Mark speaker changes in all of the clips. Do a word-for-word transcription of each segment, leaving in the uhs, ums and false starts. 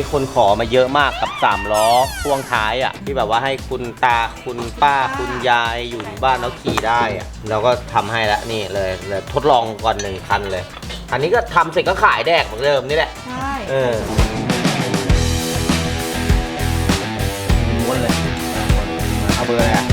Speaker 1: นี้คนขอมาเยอะมากกับสามล้อพ่วงท้ายอ่ะที่แบบว่าให้คุณตาคุณป้าคุณยายอยู่บ้านแล้วขี่ได้อ่ะเราก็ทำให้แล้วนี่เลยเลยทดลองก่อนหนึ่งคันเลยอันนี้ก็ทำเสร็จก็ขายแดกเหมือนเดิมนี่แหละ
Speaker 2: ใช่
Speaker 1: เออม้วนเลยเอาเบอร์อะไรอ่ะ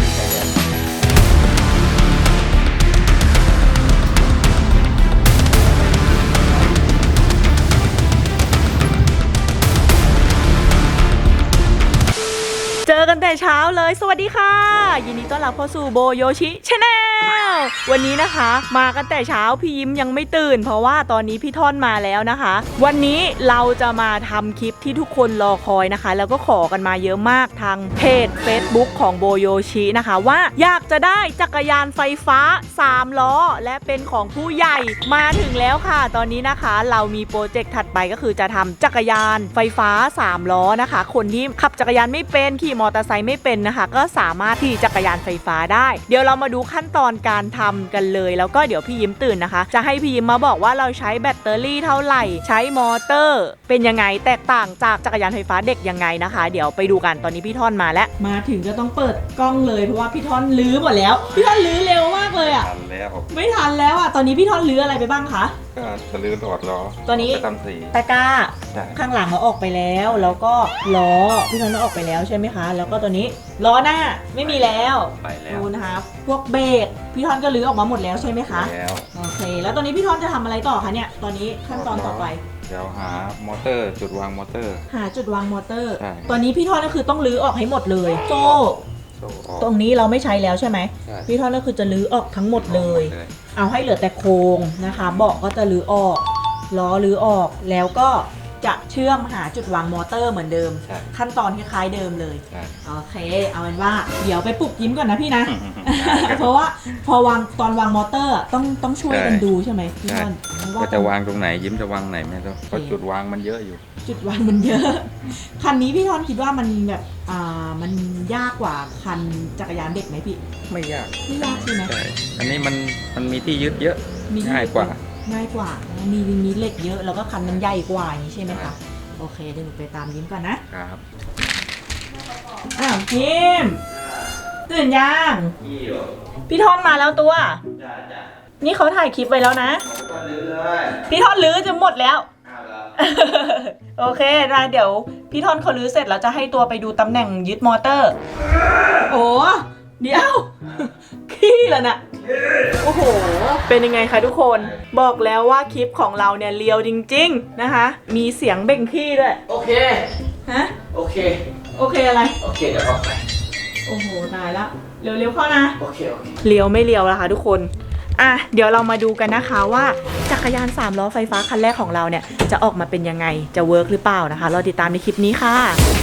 Speaker 2: เจอกันแต่เช้าเลยสวัสดีค่ะยินดีต้อนรับเข้าสู่โบโยชิชาแนลวันนี้นะคะมากันแต่เช้าพี่ยิ้มยังไม่ตื่นเพราะว่าตอนนี้พี่ท่อนมาแล้วนะคะวันนี้เราจะมาทำคลิปที่ทุกคนรอคอยนะคะแล้วก็ขอกันมาเยอะมากทางเพจ Facebook ของโบโยชินะคะว่าอยากจะได้จักรยานไฟฟ้าสามล้อและเป็นของผู้ใหญ่มาถึงแล้วค่ะตอนนี้นะคะเรามีโปรเจกต์ถัดไปก็คือจะทำจักรยานไฟฟ้าสามล้อนะคะคนที่ขับจักรยานไม่เป็นขี่มอเตอร์ไซค์ไม่เป็นนะคะก็สามารถขี่จักรยานไฟฟ้าได้เดี๋ยวเรามาดูขั้นตอนการทำกันเลยแล้วก็เดี๋ยวพี่ยิ้มตื่นนะคะจะให้พี่ยิ้มมาบอกว่าเราใช้แบตเตอรี่เท่าไหร่ใช้มอเตอร์เป็นยังไงแตกต่างจากจักรยานไฟฟ้าเด็กยังไงนะคะเดี๋ยวไปดูกันตอนนี้พี่ท่อนมาแล้วมาถึงก็ต้องเปิดกล้องเลยเพราะว่าพี่ท่อนลื้อหมดแล้วพี่ท่อนลื้อเร็วมากเลยอ่ะ
Speaker 3: ทันแล้ว
Speaker 2: ไม่ทันแล้วอ่ะตอนนี้พี่ท่อนลื้ออะไรไปบ้างคะ
Speaker 3: ก็จะลื้อหลอดล้อ
Speaker 2: ตัวนี้
Speaker 3: ทำสี
Speaker 2: ตะกร้าข้างหลังเราออกไปแล้วแล้วก็ล้อพี่ท่อนเราออกไปแล้วใช่ไหมคะแล้วก็ตัวนี้ล้อหน้าไม่มีแล้ว
Speaker 3: ไปแล้ว
Speaker 2: ดูนะคะพวกเบรกพี่ท่อนก็ลื้อออกมาหมดแล้วใช่ไหมคะ
Speaker 3: แล้ว
Speaker 2: โอเคแล้วตอนนี้พี่ท่อนจะทำอะไรต่อคะเนี่ยตอนนี้ขั้นตอนต่อไป
Speaker 3: เดี๋ยวหามอเตอร์จุดวางมอเตอร์
Speaker 2: หาจุดวางมอเตอร์
Speaker 3: ต
Speaker 2: อนนี้พี่ท่อนก็คือต้องลื้อออกให้หมดเลยโซ่ตรงนี้เราไม่ใช้แล้วใช่ไหมพี่ท่อนก็คือจะลื้อออกทั้งหมดเลยเอาให้เหลือแต่โครงนะคะเบาะก็จะลื้อออกล้อลื้อออกแล้วก็จะเชื่อมหาจุดวางมอเตอร์เหมือนเดิมขั้นตอนคล้ายๆเดิมเลยโอเคเอาเป็นว่าเดี๋ยวไปปลุกยิ้มก่อนนะพี่นะ เพราะว่าพอวางตอนวางมอเตอร์ต้องต้องช่วยกันดูใช่ไหมพี่ท่อน
Speaker 3: ว่าจะวางตรงไหนยิ้มจะวางไหนไม่รู้เพราะจุดวางมันเยอะอยู่
Speaker 2: จุดวางมันเยอะคันนี้พี่ท่อนคิดว่ามันแบบอ่ามันยากกว่าคันจักรยานเด็กไหมพี่
Speaker 3: ไม่ยาก
Speaker 2: ไม่ยากใช่ไหม
Speaker 3: อันนี้มันมันมีที่ยึดเยอะง่ายกว่า
Speaker 2: ง่ายกว่ามีมีเหล็กเยอะแล้วก็คันมันใหญ่กว่าอย่างนี้ใช่ไหมคะโอเคเดี๋ยวหนูไปตามยิ้มก่อนนะครับอ้าวยิ้มตื่นยังพี่ท่อนมาแล้วตัวนี่เขาถ่ายคลิปไว้แล้วนะพี่ท่อนลื้อจะหมดแล้วโอเคนะเดี๋ยวพี่ท่อนเขาลื้อเสร็จแล้วจะให้ตัวไปดูตำแหน่งยึดมอเตอร์โอ้เดี๋ยวขี้แล้วนะโอ้โหเป็นยังไงคะทุกคนบอกแล้วว่าคลิปของเราเนี่ยเลียวจริงๆนะคะมีเสียงเบ่งขี้ด้วย
Speaker 1: โอเค
Speaker 2: ฮะ
Speaker 1: โอเค
Speaker 2: โอเคอะไร
Speaker 1: โอเคเดี๋ยวเข้าไป
Speaker 2: โอ้โหตายละเร็วๆเข้านะ
Speaker 1: โอเคโอเค
Speaker 2: เลียวไม่เลียวนะคะทุกคนอ่ะเดี๋ยวเรามาดูกันนะคะว่าจักรยานสามล้อไฟฟ้าคันแรกของเราเนี่ยจะออกมาเป็นยังไงจะเวิร์กหรือเปล่านะคะรอติดตามในคลิปนี้ค่ะ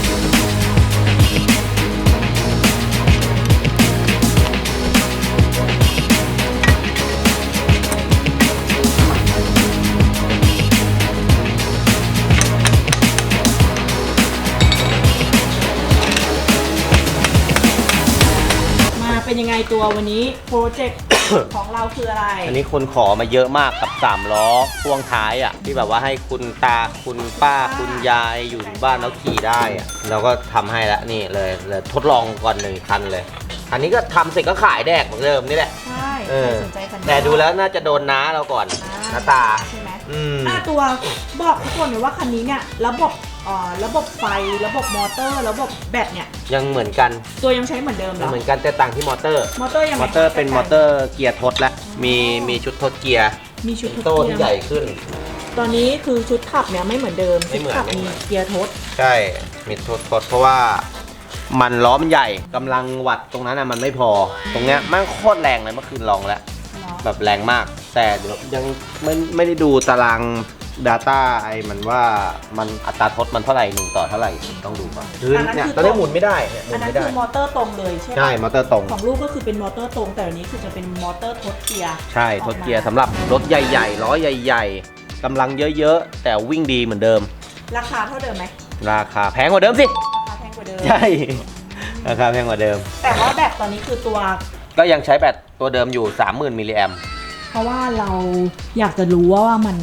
Speaker 2: เป็นยังไงตัววันนี้โปรเจกต์ของเราคืออะไร
Speaker 1: อันนี้คนขอมาเยอะมากกับสามล้อพ่วงท้ายอ่ะที่แบบว่าให้คุณตาคุณป้าคุณยายอยู่บ้านแล้วขี่ได้อ่ะเราก็ทำให้แล้วนี่เลยเลยทดลองก่อนหนึ่งคันเลยอันนี้ก็ทำเสร็จก็ขายแดกเหมือนเดิมนี่แหละ
Speaker 2: ใช่สนใจกัน
Speaker 1: แต่ดูแล้วน่าจะโดนน้าเราก่อนน้าตา
Speaker 2: ใช่ไหม
Speaker 1: อืม
Speaker 2: ตัวบอกทุกคนเลยว่าคันนี้เนี่ยระบบอ่าระบบไฟระบบมอเตอร์ระบบแบตเนี่ย
Speaker 1: ยังเหมือนกัน
Speaker 2: ตัวยังใช้เหมือนเดิมเหรอ
Speaker 1: เหมือนกันแต่ต่างที่มอเตอร์
Speaker 2: มอเตอร์ยัง
Speaker 1: มอเตอร์เป็นมอเตอร์เกียร์ทดแล้วมีมีชุดทดเกียร์
Speaker 2: มีชุดทด
Speaker 1: โต้ที่ใหญ่ขึ้น
Speaker 2: ตอนนี้คือชุดขับเนี่ยไม่เหมือนเดิมชุดขับมีเกียร์ทด
Speaker 1: ใช่มีทดทดเพราะว่ามันล้อมันใหญ่กำลังวัดตรงนั้นน่ะมันไม่พอตรงเนี้ยมันโคตรแรงเลยเมื่อคืนลองแล้วแบบแรงมากแต่เดี๋ยวยังไม่ไม่ได้ดูตาราง Data ไอ้มันว่ามันอัตราทดมันเท่าไหร่หนึ่งต่อเท่าไหร่ต้องดูก่อนคือเนี่ยตอนนี้หมุนไม่ได้หมุ
Speaker 2: นไม่ได้อันนั้นคือมอเตอร์ตรงเลยใช่ไหม
Speaker 1: ใช่มอเตอร์ตรง
Speaker 2: ของลูกก็คือเป็นมอเตอร์ตรงแต่อันนี้คือจะเป็นมอเตอร์ทดเกียร์
Speaker 1: ใช่ทดเกียร์สำหรับรถใหญ่ๆล้อใหญ่ๆกำลังเยอะๆแต่วิ่งดีเหมือนเดิม
Speaker 2: ราคาเท่าเดิมไหม
Speaker 1: ราคาแพงกว่าเดิมสิ
Speaker 2: ราคาแพงกว่าเดิม
Speaker 1: ใช่ราคาแพงกว่าเดิม
Speaker 2: แต่ว่าแบตตอนนี้คือตัว
Speaker 1: ก็ยังใช้แบตตัวเดิมอยู่ สามหมื่น มิลลิแอมป์
Speaker 2: เพราะว่าเราอยากจะรู้ว่ามัน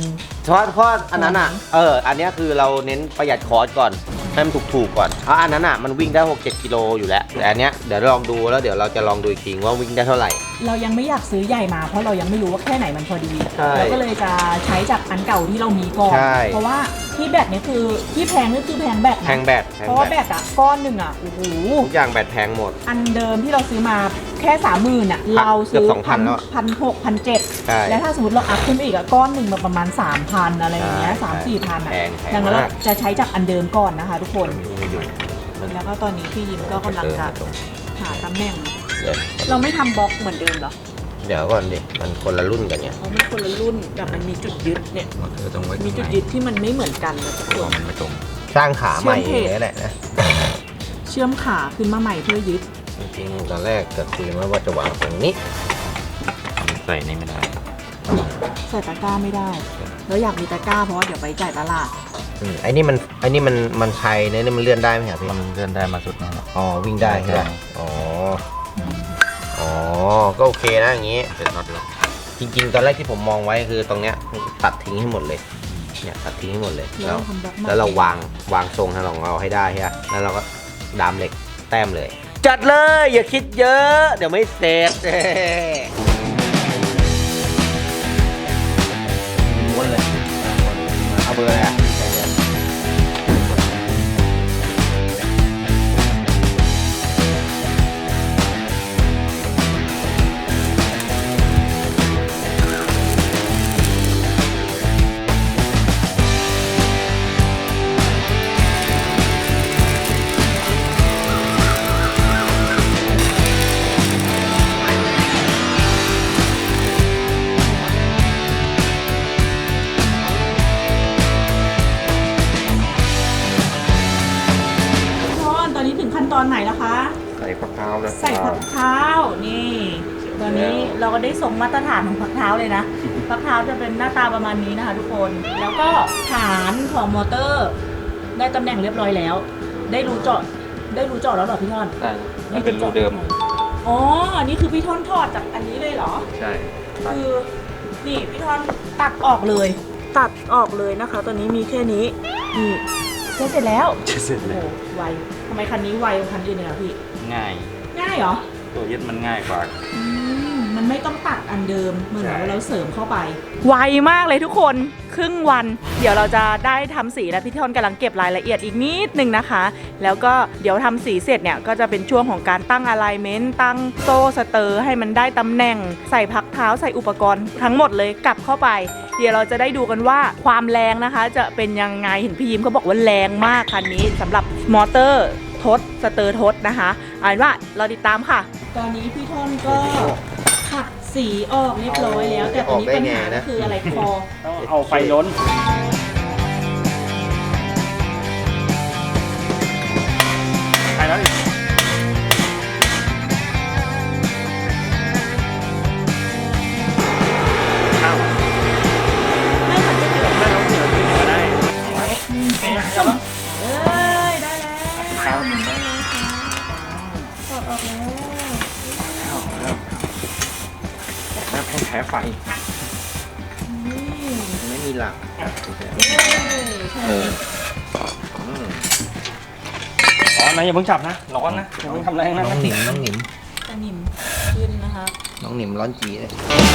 Speaker 1: เพราะเพราะอันนั้นอ่ะเอออันเนี้ยคือเราเน้นประหยัดคอสก่อนให้มันถูกๆก่อนเพราะอันนั้นอ่ะมันวิ่งได้หกเจ็ดกิโลอยู่แล้วแต่อันเนี้ยเดี๋ยวลองดูแล้วเดี๋ยวเราจะลองดูอีกทีว่าวิ่งได้เท่าไหร่
Speaker 2: เรายังไม่อยากซื้อใหญ่มาเพราะเรายังไม่รู้ว่าแค่ไหนมันพอดี
Speaker 1: ใช่
Speaker 2: เราก็เลยจะใช้จากอันเก่าที่เรามีก่อน
Speaker 1: ใช่
Speaker 2: เพราะว่าที่แบตเนี่ยคือที่แพงนี่คือแพงแบตนะ
Speaker 1: แพงแบตแพง
Speaker 2: เพราะว่า
Speaker 1: แบ
Speaker 2: แบ
Speaker 1: ต
Speaker 2: ตอะก้อนหนึ่งอะโอ้โห
Speaker 1: ทุกอย่างแบตแพงหมด
Speaker 2: อันเดิมที่เราซื้อมาแค่สามหมื่นอะเราซื้อ
Speaker 1: เกือบสองพันแล้วอะ
Speaker 2: พันหกพันเจ็ด
Speaker 1: ใช่
Speaker 2: แล้วถ้าสมมติเราอัพขึ้นไปอีกอะก้อนหนึ่งมาประมาณสามพันอะไรอย่างเงี้ย
Speaker 1: ใช่
Speaker 2: สามสี่พันอะ
Speaker 1: แพงแพง
Speaker 2: ดังนั้นเรา
Speaker 1: มาก
Speaker 2: จะใช้จากอันเดิมก่อนนะคะ ทุกคน
Speaker 1: มีอยู่
Speaker 2: แล้วก็ตอนนี้พี่ยิมก็กำลังจะหาตำแหน่ง
Speaker 1: เดี๋ยว
Speaker 2: เราไม่ทำบล็อกเหมือนเดิมเหรอ
Speaker 1: เดี๋ยวก่อนดิมันคนละรุ่นกันเนี่ย
Speaker 2: เพราะมันคนละรุ่นแบบมันมีจุดยึดเนี่ย
Speaker 3: เออต้องไว้
Speaker 2: มี
Speaker 3: ตรง
Speaker 2: จุด
Speaker 3: ไหน
Speaker 2: ยึดที่มันไม่เหมือนกันนะทุกค
Speaker 3: ตัวน มันไม่ตรง
Speaker 1: สร้างขาใหม่
Speaker 2: เชื่
Speaker 1: เอ
Speaker 2: อมเพจ
Speaker 1: งนี่แหละนะ
Speaker 2: เชื่อมขาขึ้นมาใหม่เพื่อยึด
Speaker 1: จริงๆตอนแรกก็คุยมาว่าจะวางตรงนี้
Speaker 3: ใส่นี่ไม่ได้
Speaker 2: ใส่ตะกร้าไม่ได้ แล้วอยากมีตะกร้าเพราะว่าเดี๋ยวไปจ่ายตลาด
Speaker 1: อืมไอ้นี่มันไอ้นี่มันมันไทยเนี่ยนี่มันเลื่อนได้ไหมครับพี่
Speaker 3: มันเลื่อนได้มาสุดนี่แหละ
Speaker 1: อ๋อวิ่งได้ใช่ไหม
Speaker 3: ได้
Speaker 1: อ๋ออ๋อก็โอเคนะอย่างงี้
Speaker 3: เป็นน็อตล็อก
Speaker 1: จริงๆ ตอนแรกที่ผมมองไว้คือตรงเนี้ยตัดทิ้งให้หมดเลยเนี่ยตัดทิ้งให้หมดเลย
Speaker 2: แล้
Speaker 1: แล้ว ว
Speaker 2: ทำบล็อกใหม่
Speaker 1: แล้วเราวางวางทรงให้ของเราให้ได้ใช่ไหมแล้วเราก็ดามเหล็กแต้มเลย จัดเลยอย่าคิดเยอะ เดี๋ยวไม่เสร็จม้วนเลยเอาเบอร์อะไรอ่ะ
Speaker 2: ตอนนี้ถึงขั้นตอนไหนแล้วคะ
Speaker 3: ใส่ฝักเท้าแล้ว
Speaker 2: ใส่ผักเท้า นี่ ตอนนี้เราก็ได้ส่งมาตรฐานของผักเท้าเลยนะ ผักเท้าจะเป็นหน้าตาประมาณนี้นะคะทุกคน แล้วก็ฐานของมอเตอร์ ได้ตำแหน่งเรียบร้อยแล้ว ได้รูเจาะ ได้รูเจาะแล้วเหรอพี่ท่อน
Speaker 3: ได้มันเป็นรูเดิม
Speaker 2: อ๋อ อันนี้คือพี่ท่อนถอดจากอันนี้เลยเหรอ
Speaker 3: ใช่ตัด
Speaker 2: คือนี่พี่ทอนตัดออกเลย ตัดออกเลยนะคะ ตอนนี้มีแค่นี้นี่เสร็จแล้ว
Speaker 3: เสร็จ
Speaker 2: โอ้
Speaker 3: แล้ว
Speaker 2: โหไวทำไมคันนี้ไวกว่าคันอื่นเลยอะพี่
Speaker 3: ง่าย
Speaker 2: ง่ายเหรอ
Speaker 3: ตัวยึดมันง่ายกว่า
Speaker 2: อืมมันไม่ต้องตัดอันเดิมเหมือน
Speaker 3: ใช่
Speaker 2: ว่าเราเสริมเข้าไป ไวมากเลยทุกคนครึ่งวัน เดี๋ยวเราจะได้ทำสีแล้วพี่ทอนกำลังเก็บรายละเอียดอีกนิดนึงนะคะ แล้วก็เดี๋ยวทำสีเสร็จเนี่ยก็จะเป็นช่วงของการตั้งอะไลเมนต์ตั้งโซ่สเตอร์ให้มันได้ตำแหน่งใส่พักเท้าใส่อุปกรณ์ทั้งหมดเลยกลับเข้าไป เดี๋ยวเราจะได้ดูกันว่าความแรงนะคะ จะเป็นยังไงเห็นพี่ยิ้มเขาบอกว่าแรงมากคันนี้สำหรับมอเตอร์ทดสเตอร์ทดนะคะเอาเป็นว่าเราติดตามค่ะ ตอนนี้พี่ทอนก็ขัดสีออกเรียบร้อยแล้ว แต่ตอนนี้ปัญหาก็คืออะไรคอ
Speaker 4: ต้องเอาไฟล้นไปแล้วดิอ้าว
Speaker 2: ไม่ขัดจะเกิด
Speaker 4: ไม่ต้องเสือขึ้นก็ได้ไปไหนแล้ว
Speaker 2: เอ้ยได้แล้วหมุนได้เลยค่ะถอดออกแล้ว
Speaker 3: แล้วแพ้ไฟ
Speaker 2: นี่
Speaker 1: ไม่มีหลัก
Speaker 2: เอ้ยใช่
Speaker 3: เออ
Speaker 4: อ๋อนายอย่าเพิ่งจับนะ ร้อนนะอย่าเพิ่งทำแรงนะ
Speaker 1: น้องหนิมน้องหนิม
Speaker 2: ตะนิ่มขึ้นนะคะ
Speaker 1: น้องหนิมร้อนจีเลย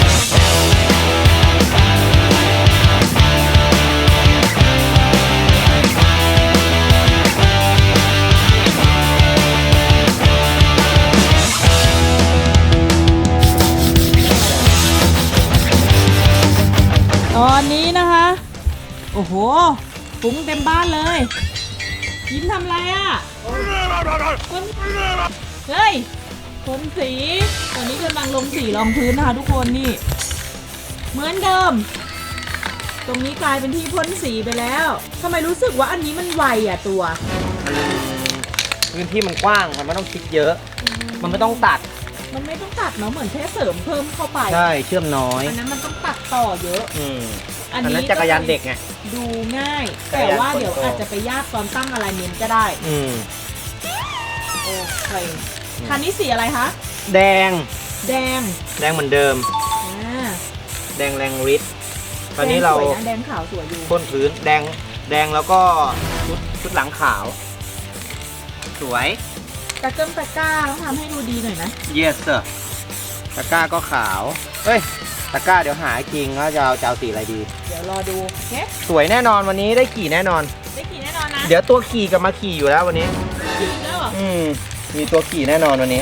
Speaker 2: ตอนนี้นะคะ โอ้โหฟุ้งเต็มบ้านเลย ยิ้มทำอะไรอ่ะคนเฮ้ยคนสี ตอนนี้กำลังลงสีรองพื้นนะคะทุกคนนี่ เหมือนเดิม ตรงนี้กลายเป็นที่พ่นสีไปแล้วทำไมรู้สึกว่าอันนี้มันไวอ่ะตัว
Speaker 1: พื้นที่มันกว้างมันไม่ต้องคิดเยอะ มันไม่ต้องตัด
Speaker 2: มันไม่ต้องตัดเนาะเหมือนแค่เสริมเพิ่มเข้าไป
Speaker 1: ใช่เชื่อมน้อย
Speaker 2: อันนั้นมันต้องตัดต่อเยอะ
Speaker 1: อืม
Speaker 2: อั
Speaker 1: อั
Speaker 2: น
Speaker 1: น
Speaker 2: นี้
Speaker 1: นั้นจักรยานเด็กไง
Speaker 2: ดูง่าย
Speaker 1: จักร
Speaker 2: แต่
Speaker 1: ยาน
Speaker 2: ว่าเดี๋ยว
Speaker 1: คนโต
Speaker 2: อาจจะไปยากตอนตั้งอะไรเมนก็ได้
Speaker 1: อืม
Speaker 2: โอเคคันนี้สีอะไรคะ
Speaker 1: แดง
Speaker 2: แดง
Speaker 1: แดงเหมือนเดิม
Speaker 2: อ่า
Speaker 1: แดงแรงฤทธิ์ตอนนี้เรา
Speaker 2: แดงสวยนะแดงขาวสวยอยู่
Speaker 1: พ่นพื้นแดงแดงแล้วก็ชุดชุดหลังขาว สวย
Speaker 2: ตะเกิมตะกร้าต้องทำให้ดูดีหน่อยนะ
Speaker 1: yes sir ตะกร้าก็ขาวเฮ้ยตะกร้าเดี๋ยวหาจริงว่าจะเอาจะเอาสีอะไรดี
Speaker 2: เดี๋ยวรอดูโอเค
Speaker 1: สวยแน่นอนวันนี้ได้ขี่แน่นอน
Speaker 2: ได้กี่แน่นอนนะ
Speaker 1: เดี๋ยวตัวขี่กับมาขี่อยู่แล้ววันนี้
Speaker 2: กี่แล้วเหรอ
Speaker 1: อืมมีตัวขี่แน่นอนวันนี้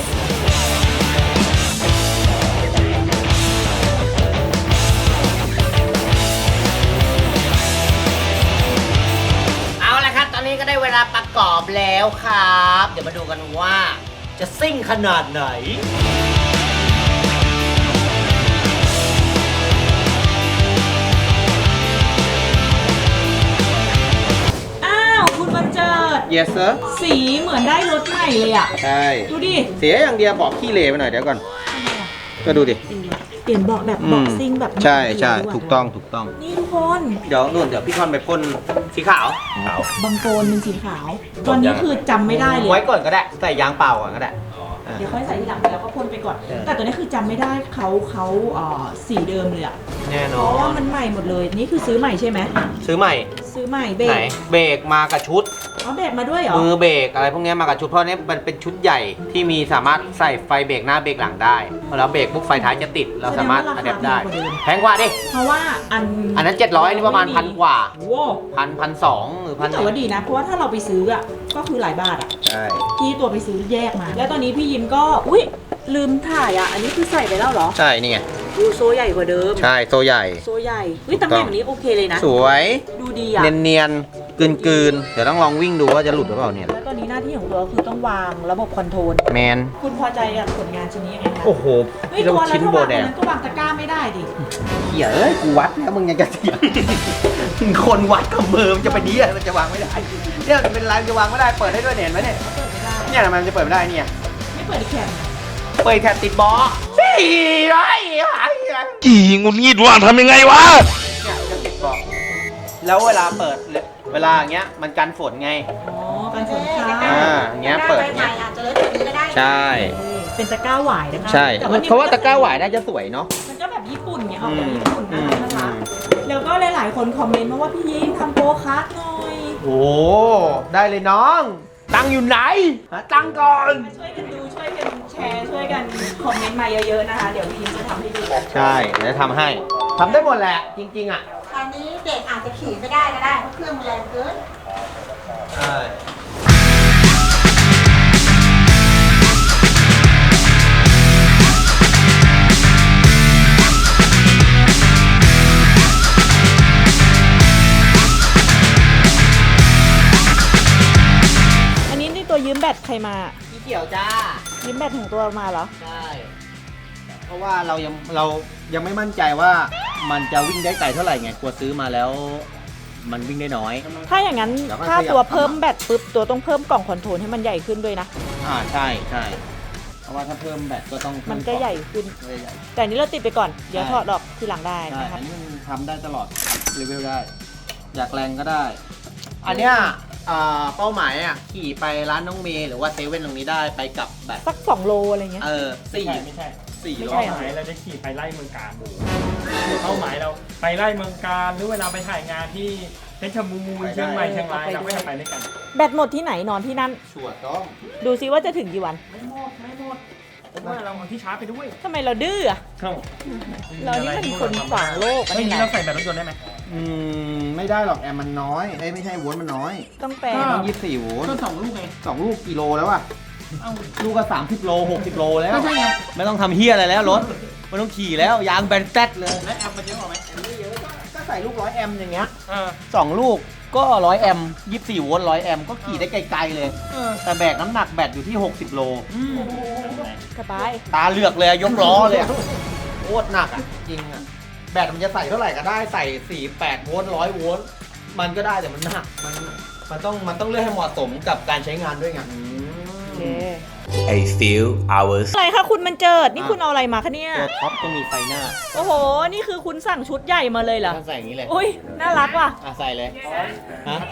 Speaker 1: เอาละครับ ตอนนี้ก็ได้เวลาประกอบแล้วครับ เดี๋ยวมาดูกันว่าจะซิ่งขนาดไหน
Speaker 2: อ้าวคุณบันเจิด
Speaker 1: yes sir
Speaker 2: สีเหมือนได้รถใหม่เลยอ่ะ
Speaker 1: ใช่
Speaker 2: ดูดิ
Speaker 1: เสียอย่างเดียวบอกขี้เหร่ไปหน่อยเดี๋ยวก่อน ก็ดูดิ
Speaker 2: เปลี่ยนเบาะแบบเบาะซิ่งแบบ
Speaker 1: ใช่ใช่
Speaker 2: ดีะ
Speaker 1: ถูกต้องถูกต้อง
Speaker 2: นี่ทุกคน
Speaker 1: เดี๋ยวนู่นเดี๋ยวพี่คอนไปพ่นสีขาว
Speaker 3: ขาว
Speaker 2: บางโกนเป็นสีขาว ตอนนี้คือจำไม่ได้เลย
Speaker 1: ไว้ก่อนก็ได้ ใส่ยางเปล่าก่อนก็ได้
Speaker 2: เดี๋ยวค่อยใส่ทีหลังแล้วก็พ่นไปก่อน
Speaker 1: เออ
Speaker 2: แต่ตัวนี้คือจำไม่ได้เขาเขาเอ่อสีเดิมเลยอะ
Speaker 1: แน่
Speaker 2: เพ
Speaker 1: นอ
Speaker 2: ราะว่าน มันใหม่หมดเลย นี่คือซื้อใหม่ใช่ไหม
Speaker 1: ซื้อใหม่
Speaker 2: ซื้อใหม่เบร
Speaker 1: ไหน
Speaker 2: ก
Speaker 1: เบรกมากับชุด
Speaker 2: อ๋อเบรกมาด้วยเหรอ
Speaker 1: มือเบรกอะไรพวกเนี้ยมากับชุดเพราะเนี้ยมันเป็นชุดใหญ่ที่มีสามารถใส่ไฟเบรกหน้าเบรกหลังได้พอเราเบรกปุ๊บไฟท้ายจะติดเราสามารถอัดแอปได้แพงกว่าดิ
Speaker 2: เพราะว่าอัน
Speaker 1: อันนั้นเจ็ดร้อยนี่ประมาณพันกว่า
Speaker 2: โว้
Speaker 1: พันพันสองหรือพัน
Speaker 2: แต่ว่าดีนะ เพราะว่าถ้าเราไปซื้ออะก็คือหลายบาทอะ
Speaker 1: ใช่
Speaker 2: ที่ตัวไปซื้อแยกมา แล้วตอนนี้พี่ยิมก็อุ้ยลืมถ่ายอะอันนี้คือใส่ไปแล้วเหรอ
Speaker 1: ใช่นี่ไง
Speaker 2: ดูโซใหญ่กว่าเดิม
Speaker 1: ใช่โซใหญ่
Speaker 2: โซใหญ่อุ้ยตำแหน่งนี้โอเคเลยนะ
Speaker 1: สวย
Speaker 2: ดูดีอะ
Speaker 1: เนียนๆกลืนๆเดี๋ยวต้องลองวิ่งดูว่าจะหลุดหรือเปล่าเนี่ย
Speaker 2: แล้วตอนนี้หน้าที่ของตัวคือต้องวางระบบคอนโทรล
Speaker 1: แมน
Speaker 2: คุณพอใจกับผลงานชิ้นนี้ยังไงคะ
Speaker 1: โอ้โห
Speaker 2: เฮ้ย
Speaker 1: เรา
Speaker 2: ตัวแล้ว
Speaker 1: ชิ้น
Speaker 2: ถ้า
Speaker 1: โบ
Speaker 2: วาง
Speaker 1: แด
Speaker 2: ตรง
Speaker 1: ง
Speaker 2: นั้นก็วางตะกร้าไม่ได้ดิ
Speaker 1: เหี้ยเอ้ยกูวัดแล้วมึงยังจะเถียง คนวัดกับเบอร์มันจะไปดีอะมันจะวางไม่ได้เนี่ยมันเป็นไรมันจะวางไม่ได้เปิดให้ด้วยเนี่ยเห็นไหมเนี่ย
Speaker 2: เปิดไม่ได้
Speaker 1: เนี่ยทำไมมันจะเปิดไม่ได้เนี่ย
Speaker 2: ไม่เปิดอีกแคม
Speaker 1: เปิดแค่ติดบอสี่ร้อยหายเนี่ย
Speaker 3: จีงุนงิดว่าทำยังไงวะ
Speaker 1: จะติดบอแล้วเวลาเปิดเวลาอย่างเงี้ยมันกันฝนไง
Speaker 2: อ๋อการฝนฟ้า
Speaker 1: อ่าอย่างเงี้ยเปิดเงี้ยใช่
Speaker 2: เป็นตะกร้าหวายนะคะ
Speaker 1: ใช่
Speaker 2: แต่นี่
Speaker 1: เพราะว่าตะกร้าหวายน่าจะสวยเนาะ
Speaker 2: มันก็แบบญี่ปุ่นไงออก
Speaker 1: อื
Speaker 2: แบบ
Speaker 1: ม
Speaker 2: ญี่ปุ่น
Speaker 1: อื
Speaker 2: นะ
Speaker 1: ม
Speaker 2: นะคะ
Speaker 1: อืม
Speaker 2: แล้วก็หลายๆคนคอมเมนต์มาว่าพี่ยิงทำโปรคัสหน่อย
Speaker 1: โอ้ได้เลยน้อง ตังค์อยู่ไหนหาตังค์ก่อน
Speaker 2: มาช่วยกันดูช่วยกันแชร์ช่วยกันคอมเมนต์มาเยอะๆนะคะ เดี๋ยวพี่ยิงจะทำให้ดู
Speaker 1: ใช่เดี๋ยวทำให้ทำได้หมดแหละ จริงๆอ่ะ
Speaker 5: ตอนนี้เด็กอาจจะขี่ไม่ได้ก็ได้เพราะเครื่องมันแรงเกิน
Speaker 1: ใช่
Speaker 2: อันนี้นี่ตัวยืมแบตใครมา
Speaker 1: พี่เกี่ยวจ้า
Speaker 2: ยืมแบตของตัวมาเหรอ
Speaker 1: ใช่ เพราะว่าเรายังเรายังไม่มั่นใจว่ามันจะวิ่งได้ไกลเท่าไหร่ไงกลัวซื้อมาแล้ว มันวิ่งได้น้อย
Speaker 2: ถ้าอย่างนั้น
Speaker 1: แล้วก็
Speaker 2: ถ้า
Speaker 1: ขยับ
Speaker 2: ตัวเพิ่มแบตปุ๊บตัวต้องเพิ่มกล่องคอนโทรลให้มันใหญ่ขึ้นด้วยนะ
Speaker 1: อ่าใช่ใช่เพราะว่าถ้าเพิ่มแบตก็ต้องเพิ่
Speaker 2: มันก็ใหญ่ขึ้น
Speaker 1: ก็ใหญ่
Speaker 2: แต่อันนี้เราติดไปก่อน เดี๋ยว
Speaker 1: ใช่
Speaker 2: ถอดออกทีหลังได้
Speaker 1: ใช่
Speaker 2: นะคะ
Speaker 1: อันนี้มันทำได้ตลอดเลเวลได้ อยากแรงก็ได้ อันเนี้ยอ่าเป้าหมายอ่ะขี่ไปร้านน้องเมย์หรือว่าเซเว่นตรงนี้ได้ไปกลับแบบ
Speaker 2: สักสองโลอะไรเงี้ย
Speaker 1: เออสี่
Speaker 4: ไม่ใช่
Speaker 1: สี่
Speaker 2: ไม่
Speaker 1: โล
Speaker 2: ใช่
Speaker 4: เป้าหมายเราจะขี่ไปไล่เมืองการเป้าหมายเราไปไล่เมืองการหรือเวลาไปถ่ายงานที่เพชรบูรณ์เชียงใหม่เชียงรายเราก็จะไปด้วยกัน
Speaker 2: แบตหมดที่ไหนนอนที่นั่น
Speaker 1: ชัวร์ต้อง
Speaker 2: ดูซิว่าจะถึงกี่วัน
Speaker 4: ไม่หมดไม่หมดผมว่าเราเอาที่ชาร์จไปด้วย
Speaker 2: ทำไมเราดื้ออะ
Speaker 4: เข้า
Speaker 2: เรานี่มันคนขวางโลกอัน
Speaker 4: ไม่
Speaker 2: นี้
Speaker 4: นี้
Speaker 2: นะ
Speaker 4: เราใส่แบตรถยนต์ได้ไหม
Speaker 1: อืมไม่ได้หรอกแอมมันน้อยเอ้ยไม่ใช่โวลต์มันน้อย
Speaker 2: ต้องแปล
Speaker 4: ก็
Speaker 1: ต้องยี่สิบสี่โวลต์
Speaker 4: ก็สองลูกไง
Speaker 1: สองลูกกิโลแล้วอะ
Speaker 4: เอ้า
Speaker 1: ลูกก็สามสิบโลหกสิบโลแล้ว
Speaker 4: ก็ใช่ไง
Speaker 1: ไม่ต้องทำเฮียอะไรแล้วรถไม่ต้องขี่แล้วยางแบนแต๊ดเลย
Speaker 4: และแอมมันเยอะกว่าไหม
Speaker 1: ก็ใส่ลูกร้อยแอมอย่างเงี้ย
Speaker 4: เออ
Speaker 1: สองลูกก็ร้อยแอมยี่สิบสี่โวลต์ร้อยแอมก็ขี่ได้ไกลๆเลย
Speaker 4: เออ
Speaker 1: แต่แบกน้ำหนักแบตอยู่ที่หกสิบโล
Speaker 2: สบาย
Speaker 1: ตาเหลือกเลยอะยกล้อเลยอะโคตรหนักอะจริงอะแบตมันจะใส่เท่าไหร่ก็ได้ใส่สี่แปดโวลต์ร้อยโวลต์มันก็ได้แต่มันหนักมันมันต้องมันต้องเลือกให้เหมาะสมกับการใช้งานด้วยไง
Speaker 2: โอเค
Speaker 6: A few hours
Speaker 2: อะไรคะคุณมันเจิด นี่คุณเอาอะไรมาคะเนี่ย
Speaker 1: ตัวท็อปต้องมีไฟหน้า
Speaker 2: โอ้โห นี่คือคุณสั่งชุดใหญ่มาเลยเหรอ
Speaker 1: ถ้าใส่อย่างนี้เลย
Speaker 2: อุ้ย น่ารักว่ะ
Speaker 1: อ่ะใส่เลยฮะ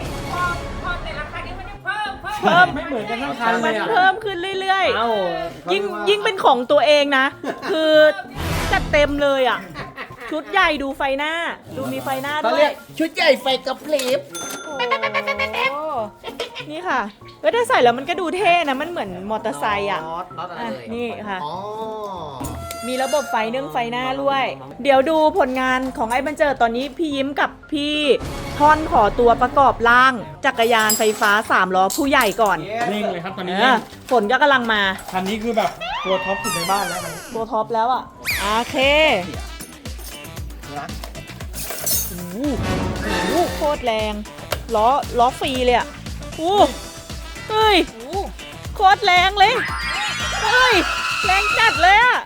Speaker 2: เพิ่ม
Speaker 4: ไม่เหมือนกันทั้งคันเล
Speaker 2: มัน
Speaker 4: ยอ่ะ
Speaker 2: เพิ่มขึ้นเรื่อย
Speaker 1: เอ้า
Speaker 2: ๆ ยิ่งยิ่งเป็นของตัวเองนะ คือจัดเต็มเลยอ่ะชุดใหญ่ดูไฟหน้า ดูมีไฟหน้า
Speaker 1: เขา
Speaker 2: ด้ว
Speaker 1: เรี
Speaker 2: ย
Speaker 1: ยกชุดใหญ่ไฟกระพริบ
Speaker 2: โอ้นี่ค่ะเว้ยถ้าใส่แล้วมันก็ดูเท่นะ มันเหมือนมอเตอร์ไซค์อ่ะ
Speaker 1: น็อตน็อตอะไร
Speaker 2: อ่ะ
Speaker 1: เลย
Speaker 2: นี่ค่ะ
Speaker 1: อ๋อ
Speaker 2: มีระบบไฟนึ่งไฟหน้าด้วย เดี๋ยวดูผลงานของไอ้บันเจิดตอนนี้พี่ยิ้มกับพี่ท่อนขอตัวประกอบร่างจักรยานไฟฟ้าสามล้อผู้ใหญ่ก่อน
Speaker 4: เร่งเลยครับตอนนี้
Speaker 2: เอ
Speaker 4: เร่
Speaker 2: อง ฝนก็กำลังมา
Speaker 4: คันนี้คือแบบตัวท็อปสุดในบ้านแล้วคันนี้
Speaker 2: ตัวท็อปแล้วอ่ะ โอเค
Speaker 1: นะ
Speaker 2: โอ้โหโอ้โหโคตรแรง ล้อ ล้อฟรีเลยอ่ะโอ้เฮ้ย โคตรแรงเลย เฮ้ย แรงจัดเลยอ่ะ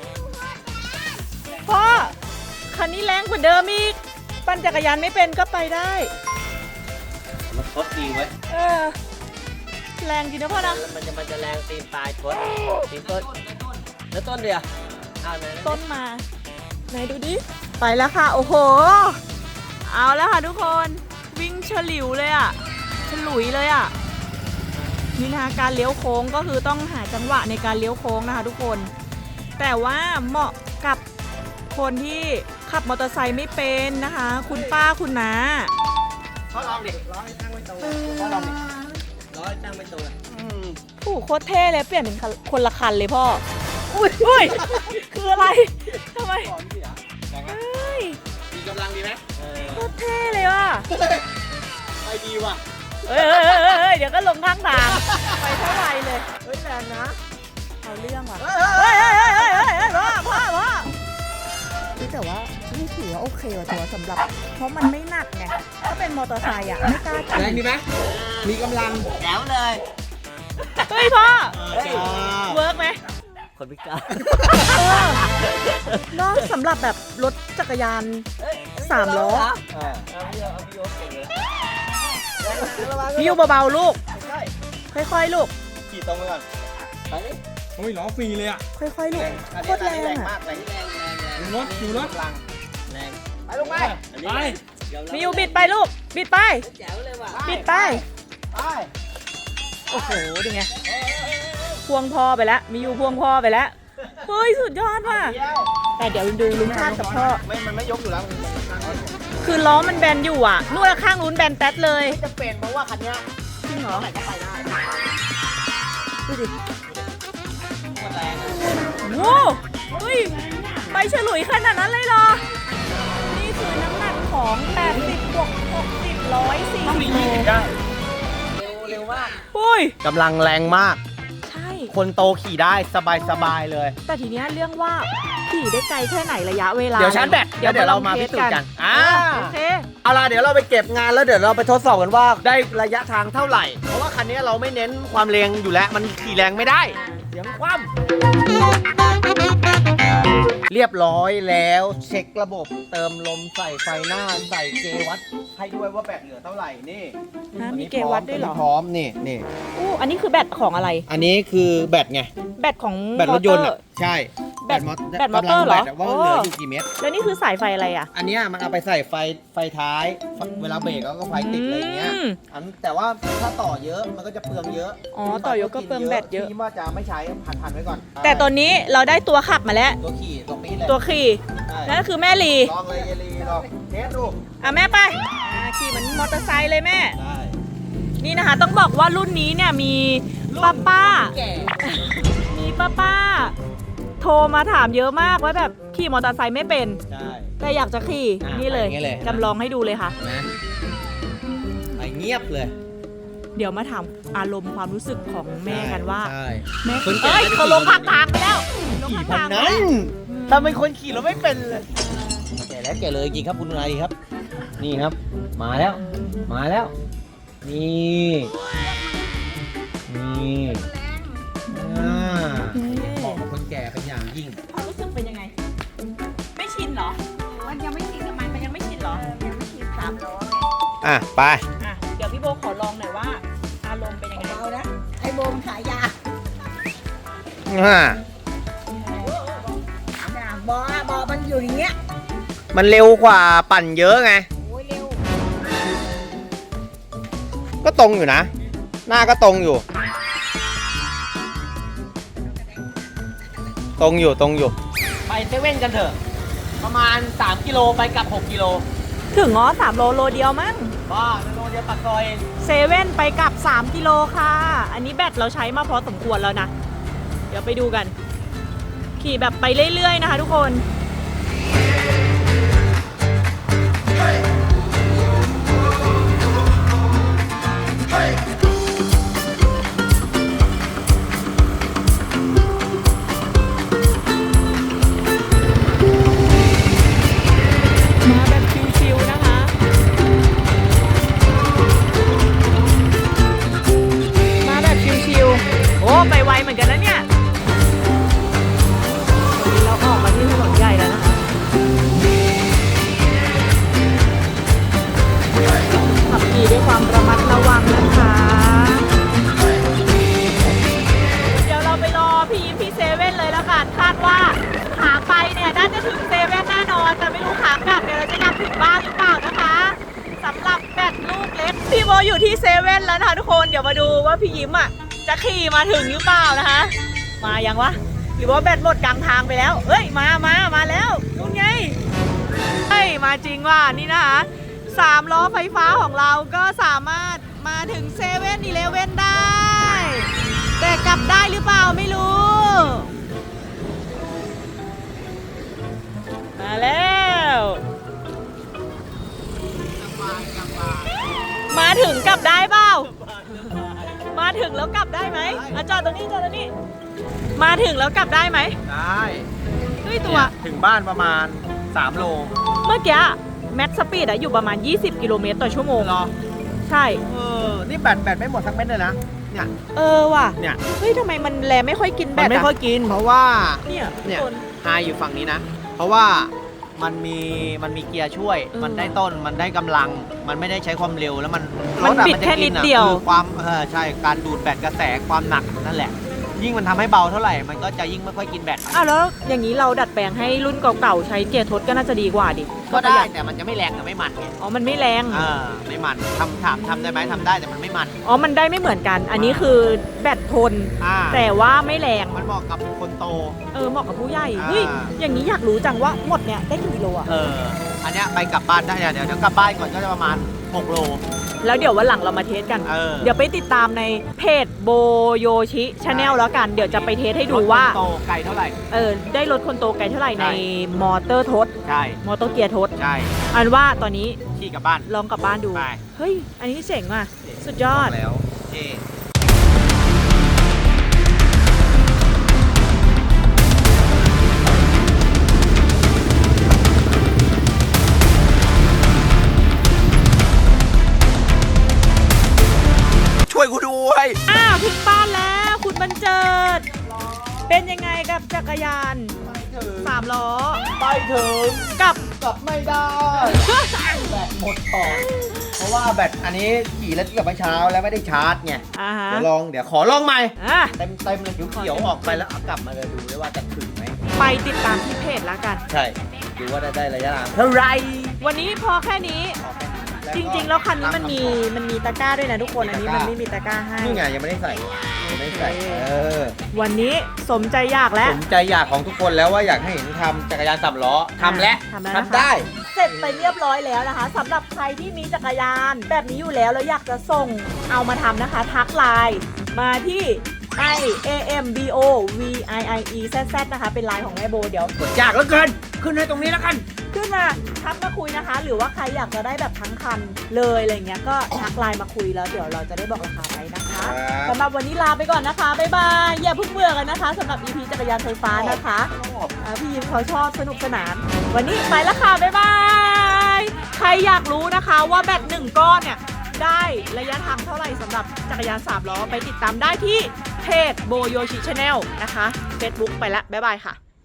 Speaker 2: พ่อ คันนี้แรงกว่าเดิมอีก ปั่นจักรยานไม่เป็นก็ไปได้
Speaker 1: มันทดดีไว้ย
Speaker 2: เออ แรงจริงนะพ่อนะ
Speaker 1: มันจะมันจะแรงตีนปลายทดตีนต้นแล้วต้นเดียวอ้าวไหนๆ
Speaker 2: ต้นมา ไหนดูดิ ไปแล้วค่ะ โอ้โห เอาแล้วค่ะทุกคน วิ่งฉลิวเลยอ่ะ ฉลุยเลยอ่ะ นี่นะคะการเลี้ยวโค้งก็คือต้องหาจังหวะในการเลี้ยวโค้งนะคะทุกคน แต่ว่าเหมาะกับคนที่ขับมอเตอร์ไซค์ไม่เป็นนะคะ คุณป้าคุณน้า
Speaker 1: พ่อลองดิร้อยตั้งไว้ตรงพ่อลองดิร้อยตั้งไว้ตรงอืม
Speaker 2: โอ้โหโคตรเท่เลยเปลี่ยนเป็นคนละคันเลยพ่อ อุ้ยอุ้ยคืออะไรทำไม
Speaker 1: ก่อนพี่เหรอ
Speaker 2: เฮ้ย
Speaker 1: มีกำลังดีไหมเออ
Speaker 2: โคตรเท่เลยว่ะ
Speaker 1: ไปดีว่ะ
Speaker 2: เฮ้ยเฮ้ยเฮ้ยเฮ้ยเดี๋ยวก็ลงข้างทาง ไปเท่าไหร่เลย
Speaker 1: เฮ้ยแรงนะ
Speaker 2: เอาเรื่องว่ะ
Speaker 1: เฮ้ย
Speaker 2: เฮ้ยเฮ้ยเฮ้ยเฮ้ยเฮ้ยพ่อพ่อพ่อแต่ว่านี่ถือว่าโอเคว่ะตัวสำหรับ เพราะมันไม่หนักไง ถ้าเป็นมอเตอร์ไซค์อ่ะไม่กล้า
Speaker 1: แรงดีไหมมีกำลังแจ๋วเลย
Speaker 2: เฮ้ยพ่อ
Speaker 1: เฮ้ย
Speaker 2: เวิร์กไหม
Speaker 1: คนพิการ
Speaker 2: เออเนอะสำหรับแบบรถจักรยานสามล้อ
Speaker 1: เออเอาพี่เอาพี่โอ๊ตเก่งเลย
Speaker 2: วิวเบาๆลูก ค่อยๆลูก
Speaker 1: ขี่ตรงไปก่อนไปดิ
Speaker 4: โอ้ยล้อฟรีเลยอ่ะ
Speaker 2: ค่อยๆลู
Speaker 1: แร
Speaker 2: ก
Speaker 1: งอัน
Speaker 2: โค
Speaker 1: นี้
Speaker 2: ตร
Speaker 1: อัน
Speaker 2: แร
Speaker 1: นี้แรง
Speaker 2: ง
Speaker 1: มา
Speaker 2: อ่ะ
Speaker 1: กแรงแรงแรงแรง
Speaker 4: ดูรถดูรถ
Speaker 1: กำลังแรงไปลงไป
Speaker 4: ไป
Speaker 2: มิวบิดไปลูก บิดไป
Speaker 1: แจ๋วเลยว่ะ
Speaker 2: บิดไป
Speaker 1: ไป
Speaker 2: โอ้โหดูไงพวงพ่อไปแล้ว มีอยู่พวงพ่อไปแล้ว เฮ้ย สุดยอดว่ะ
Speaker 1: เดียว
Speaker 2: แต่เดี๋ยวดูลุงชาติกับพ่อ
Speaker 1: ไม่มันไม่ยกอยู่แล้ว
Speaker 2: คือล้อมันแบนอยู่อ่ะนู่นข้างนู้นแบนแต๊ดเลย
Speaker 1: จะเป็นเพราะว่าคันเนี้ย
Speaker 2: จริงเหรอ
Speaker 1: ไหนก็ไปได้
Speaker 2: ดูดิ
Speaker 1: โคตรแรงอะ
Speaker 2: โว้เฮ้ยไปฉลุยขนาดนั้นเลยเหรอ นี่คือน้ำหนักของแปดสิบบวกหกสิบ ร้อยสี่
Speaker 4: ต้อง
Speaker 2: สิ
Speaker 4: มี
Speaker 2: บ
Speaker 4: ยี่สิบได้
Speaker 1: เร็วเร็วมาก
Speaker 2: อุ้ย
Speaker 1: กำลังแรงมาก
Speaker 2: ใช่
Speaker 1: คนโตขี่ได้สบายสบายเลย
Speaker 2: แต่ทีเนี้ยเรื่องว่าขี่ได้ไกลแค่ไหนระยะเวลา
Speaker 1: เดี๋ยวชาร์จแบตแล้วเดี๋ยวเรามาพิสูจน์กันอ่า
Speaker 2: โอเค
Speaker 1: เอาล่ะเดี๋ยวเราไปเก็บงานแล้วเดี๋ยวเราไปทดสอบกันว่าได้ระยะทางเท่าไหร่ เพราะว่าคันนี้เราไม่เน้นความแรงอยู่แล้ว มันขี่แรงไม่ได้เสียงคว่ำเรียบร้อยแล้วเช็คระบบเติมลมใส่ไฟหน้าใส่เกวัดให้ด้วยว่าแบตเหลือเท่าไหร่นี่
Speaker 2: ฮะมีเกวัดด้วยเหรอ
Speaker 1: พร้อมนี่นี่
Speaker 2: อู้อันนี้คือแบตของอะไร
Speaker 1: อันนี้คือแบตไง
Speaker 2: แบตของ
Speaker 1: แบตรถยนต์
Speaker 2: มอ
Speaker 1: อ่ะ
Speaker 2: เตอ
Speaker 1: ใช่
Speaker 2: แบตแบตมอเตอร์เหรอ
Speaker 1: กำลังแบตะว่าเหลืออยู่กี่เมตร
Speaker 2: แล้วนี่คือสายไฟอะไรอ่ะ
Speaker 1: อันเนี้ยมันเอาไปใส่ไฟไฟท้าย เวลาเบรกแล้วก็ไฟติดอะไรเงี้ย
Speaker 2: อืม
Speaker 1: อันแต่ว่าถ้าต่อเยอะมันก็จะเปลืองเยอะ
Speaker 2: อ๋อต่อเยอะก็เปลืองแบตเยอะ
Speaker 1: พี่ว่าจะไม่ใช้ผ่านๆไว้ก่อน
Speaker 2: แต่ตอนนี้เราได้ตัวขับมาแล้ว
Speaker 1: ตัวขี่ตรงนี้เลย
Speaker 2: ตัวขี่
Speaker 1: ใช่
Speaker 2: นั่นก็คือแม่ลี
Speaker 1: ลองเลยเยลีลองเทสดู
Speaker 2: อ่ะแม่ไปอ่าขี่เหมือนมอเตอร์ไซค์เลยแม่
Speaker 1: ได้
Speaker 2: นี่นะคะต้องบอกว่ารุ่นนี้เนี่ยมีป้าป้า
Speaker 1: แก่
Speaker 2: มีป้าป้า โทรมาถามเยอะมากว่าแบบขี่มอเตอร์ไซค์ไม่เป็น
Speaker 1: ใช่
Speaker 2: แต่อยากจะขี่
Speaker 1: อ่ะ
Speaker 2: นี่เลย
Speaker 1: ไปอย่างงี้เลย
Speaker 2: จำลองให้ดูเลยค่ะ
Speaker 1: นะไปเงียบเลย
Speaker 2: เดี๋ยวมาถามอารมณ์ความรู้สึกของแม่กันว่า
Speaker 1: ใช่
Speaker 2: แม่
Speaker 1: คนแก่
Speaker 2: เอ้ย
Speaker 1: ไม่ได้
Speaker 2: เขาลง
Speaker 1: ขี่
Speaker 2: ข้างทางไปแล้วลง
Speaker 1: ขี่
Speaker 2: ข้าง
Speaker 1: พัน
Speaker 2: ทางไป
Speaker 1: นั้
Speaker 2: แล้
Speaker 1: น
Speaker 2: ว
Speaker 1: ถ้าเป็นคนขี่เราไม่เป็นเลยแก่แล้วแก่เลยจริงครับคุณนายครับ นี่ครับ มาแล้ว มาแล้ว นี่นี่อ่าเหมาะกับคนแก่เป็นอย่างยิ่ง
Speaker 2: ความรู้สึกเป็นยังไง ไม่ชินเหรอ
Speaker 5: มันยังไม่ชินกับมัน
Speaker 2: มันยังไม่ชินเหรอ
Speaker 5: ยังไม่ชินสามล้อไง
Speaker 1: อ่ะ ไป
Speaker 2: อ่ะเดี๋ยวพี่โบขอลองหน่อยว่า อารมณ์เป็นยังไง
Speaker 5: เบาๆนะ ไอ้โบมนขายยา
Speaker 1: อ่า
Speaker 5: น่ะบออะบอมันอยู่อย่างเงี้ย
Speaker 1: มันเร็วกว่าปั่นเยอะไง
Speaker 5: โอ้ยเร็ว
Speaker 1: ก็ตรงอยู่นะ หน้าก็ตรงอยู่ ตรงอยู่ตรงอยู่ ไปเซเว่นกันเถอะประมาณสามกิโลไปกลับหกกิโล
Speaker 2: ถึงง้อสามโลโลเดียวมั้ง
Speaker 1: บ้าโลเดียวปากซอยเอง
Speaker 2: เซเว่นไปกลับสามกิโลค่ะ อันนี้แบตเราใช้มาพอสมควรแล้วนะ เดี๋ยวไปดูกัน ขี่แบบไปเรื่อยๆนะคะทุกคน มาแบบชิวๆนะคะ มาแบบชิวๆ โอ้ ไปไวเหมือนกันนะเนี่ย ตอนนี้เราออกมาที่ถนนใหญ่แล้วนะคะ ขับขี่ด้วยความระมัดระวังนะคะ เดี๋ยวเราไปรอพี่ยิ้มที่เซเว่นเลยแล้วกัน คาดว่าขาไปเนี่ยน่าจะถึงเซเว่นแน่นอน แต่ไม่รู้ขากลับเนี่ยเราจะกลับถึงบ้านหรือเปล่านะคะสำหรับแบตลูกเล็กพี่โบอยู่ที่เซเว่นแล้วนะคะทุกคน เดี๋ยวมาดูว่าพี่ยิ้มอ่ะจะขี่มาถึงหรือเปล่านะคะ มายังวะหรือว่าแบตหมดกลางทางไปแล้วเอ้ยมามามาแล้วนู่นไงเฮ้ยมาจริงว่ะนี่นะคะสามล้อไฟฟ้าของเราก็สามารถมาถึงเซเว่นอีเลฟเว่นได้ แต่กลับได้หรือเปล่าไม่รู้ มาแล้ว มาถึงกลับได้เปล่า มาถึงแล้วกลับได้ไหมอ่ะจอดตรงนี้จอดตรงนี้ มาถึงแล้วกลับได้ไหม
Speaker 1: ได้
Speaker 2: เฮ้ยตัว
Speaker 1: ถึงบ้านประมาณสามโล
Speaker 2: เมื่อกี้แม็กซ์สปีดอะอยู่ประมาณยี่สิบกิโลเมตรต่อชั่วโมง
Speaker 1: รอ
Speaker 2: ใช่
Speaker 1: เออ นี่แบตแบตไม่หมดทั้งเม็ดเลยนะ เนี่ย
Speaker 2: เออว่ะ
Speaker 1: เนี่ย
Speaker 2: เฮ้ยทำไมมันแลไม่ค่อยกินแบ
Speaker 1: มัน
Speaker 2: ต
Speaker 1: ไม่ค่อย
Speaker 2: อะ
Speaker 1: กิน เพราะว่า
Speaker 2: เนี่ย
Speaker 1: เนี่ย
Speaker 2: ทุกคน
Speaker 1: ไฮอยู่ฝั่งนี้นะ เพราะว่ามันมีมันมีเกียร์ช่วย
Speaker 2: เออ
Speaker 1: มันได้ต้น มันได้กำลัง มันไม่ได้ใช้ความเร็วแล้วมัน
Speaker 2: มัน
Speaker 1: รถอะ
Speaker 2: บิด
Speaker 1: จะ
Speaker 2: แค่
Speaker 1: กิ
Speaker 2: นิด
Speaker 1: อะ
Speaker 2: เดียว
Speaker 1: คือความเออใช่ การดูดแบตกระแสความหนักนั่นแหละ ยิ่งมันทำให้เบาเท่าไหร่ มันก็จะยิ่งไม่ค่อยกินแบต
Speaker 2: อ้าวแล้วอย่างนี้เราดัดแปลงให้รุ่นเก่าๆใช้เกียร์ทดก็น่าจะดีกว่าดิ
Speaker 1: ก็
Speaker 2: ประ
Speaker 1: ได้
Speaker 2: หยัด
Speaker 1: แต่มันจะไม่แรงกับไม่มันไง
Speaker 2: อ๋อมันไม่แรง
Speaker 1: เออไม่มันทำถามทำได้ไหมทำได้แต่มันไม่มัน
Speaker 2: อ๋อมันได้ไม่เหมือนกัน อันนี้คือแบตทน
Speaker 1: อ่า
Speaker 2: แต่ว่าไม่แรง
Speaker 1: มันเหมาะกับคนโต
Speaker 2: เออเหมาะกับผู้ใหญ่
Speaker 1: อ่า
Speaker 2: เฮ้ยอย่างนี้อยากรู้จังว่าหมดเนี่ยได้กี่กิโลอะ
Speaker 1: เออ อันเนี้ยไปกลับบ้านได้เดี๋ยวเดี๋ยวกลับบ้านก่อนก็จะประมาณหกโล
Speaker 2: แล้วเดี๋ยววันหลังเรามาเทสกัน
Speaker 1: เออ
Speaker 2: เดี๋ยวไปติดตามในเพจโบโยชิชาแนลแล้วกัน เดี๋ยวจะไปเทสให้ดูว่า
Speaker 1: รถคนโตไกลเท่าไหร่
Speaker 2: เออได้รถคนโตไกลเท่าไหร่
Speaker 1: ใช่
Speaker 2: ในมอเตอร์ทด
Speaker 1: ใช่
Speaker 2: มอเตอร์เกียร์ทด
Speaker 1: ใช่
Speaker 2: อันว่าตอนนี้
Speaker 1: ขี่กลับบ้าน
Speaker 2: ลองกลับบ้านดู
Speaker 1: ไป
Speaker 2: เฮ้ย อันนี้เจ๋งว่ะ สุดยอด
Speaker 1: บอกแล้วเท่ ช่วยกูด้วย
Speaker 2: อ้าวถึงบ้านแล้วคุณบรรเจิด เป็นยังไงกับจักรยานสามล้อ
Speaker 1: ไปถึง
Speaker 2: กับ
Speaker 1: กลับไม่ได้ แบตหมดก่อนเพราะว่าแบตอันนี้ขี่แล้วกลับไปเช้าแล้วไม่ได้ชาร์จไง
Speaker 2: อ่าฮะ
Speaker 1: เดี๋ยวลองเดี๋ยวขอลองใหม่
Speaker 2: อ่ะ
Speaker 1: เต็มเต็มเลยเขียวๆออกไปแล้วเอากลับมาเลยดูด้วยว่าจะถึงไหม
Speaker 2: ไปติดตามที่เพจแล้วกัน
Speaker 1: ใช่ ดูว่าได้ได้ระยะทางเท่าไหร
Speaker 2: วันนี้พอแค่นี้ จริงๆ แล้วคันนี้มันมีมันมีตะกร้าด้วยนะทุกคน อันนี้มันไม่มีตะกร้าให้
Speaker 1: นี่ไงยังไม่ได้ใส่ยังไม่ได้ใส่เออ
Speaker 2: วันนี้สมใจอยากแล้ว
Speaker 1: สมใจอยากของทุกคนแล้วว่าอยากให้เห็นทำจักรยานสามล้อทำแล้ว
Speaker 2: ทำแล้วนะคะ
Speaker 1: ทำได้
Speaker 2: เสร็จไปเรียบร้อยแล้วนะคะสำหรับใครที่มีจักรยานแบบนี้อยู่แล้วแล้วอยากจะส่งเอามาทำนะคะ ทักไลน์มาที่ i a m b o v i i e z z นะคะเป็นไลน์ของแม่โบเดี๋ยว
Speaker 1: กดยากเหลือเกิน ขึ้นให้ตรงนี้แล้วกัน
Speaker 2: ขึ้นมาทักมาคุยนะคะ หรือว่าใครอยากจะได้แบบทั้งคันเลยอะไรเงี้ยก็ทักไลน์มาคุยแล้วเดี๋ยวเราจะได้บอกราคาไปนะคะ
Speaker 1: ครับ
Speaker 2: สำหรับวันนี้ลาไปก่อนนะคะบ๊ายบายอย่าเพิ่งเบื่อกันนะคะสำหรับ อี พี จักรยานไฟฟ้านะคะอ่าพี่ยิมเขาชอบสนุกสนาน วันนี้ไปแล้วค่ะบ๊ายบายใครอยากรู้นะคะว่าแบตหนึ่งก้อนเนี่ยได้ระยะทางเท่าไหร่สำหรับจักรยานสามล้อไปติดตามได้ที่เพจโบโยชิชาแนลนะคะ Facebook ไปละบ๊ายบายค่ะ